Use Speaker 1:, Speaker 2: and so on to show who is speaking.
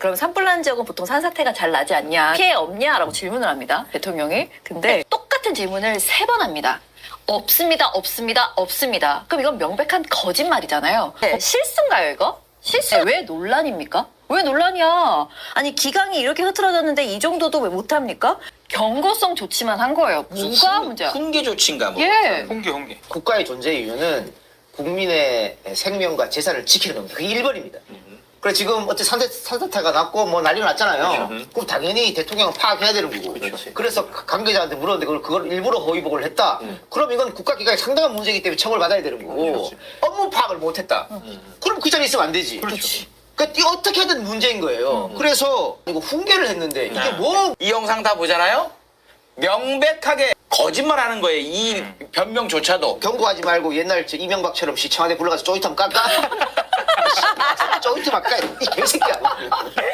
Speaker 1: 그럼 산불 난 지역은 보통 산사태가 잘 나지 않냐, 피해 없냐라고 질문을 합니다, 대통령이. 근데 똑같은 질문을 3번 합니다. 없습니다, 없습니다, 없습니다. 그럼 이건 명백한 거짓말이잖아요. 실수인가요, 이거? 실수? 왜 논란입니까? 왜 논란이야? 아니, 기강이 이렇게 흐트러졌는데 이 정도도 왜 못합니까? 경고성 조치만 한 거예요. 뭐가 문제야?
Speaker 2: 훈계 조치인가 뭐.
Speaker 1: 예.
Speaker 3: 홍계.
Speaker 4: 국가의 존재 이유는 국민의 생명과 재산을 지키는 겁니다. 그게 1번입니다. 그래 지금 어째 산사태가 났고 뭐 난리가 났잖아요. 그럼 당연히 대통령은 파악해야 되는 거고.
Speaker 3: 그렇지.
Speaker 4: 그래서 관계자한테 물었는데 그걸 일부러 허위복을 했다. 그럼 이건 국가기관에 상당한 문제이기 때문에 처벌받아야 되는 거고.
Speaker 3: 그렇지.
Speaker 4: 업무 파악을 못했다. 그럼 그 자리에 있으면 안 되지.
Speaker 3: 그렇지.
Speaker 4: 그러니까 이거 어떻게 하든 문제인 거예요. 그래서 이거 훈계를 했는데 이게 뭐
Speaker 2: 이 영상 다 보잖아요. 명백하게 거짓말하는 거예요. 이 변명조차도.
Speaker 4: 경고하지 말고 옛날 저 이명박처럼 시청와대 불러가서 조이트 한번 깎아. 조이트 막 까. 이 개새끼야.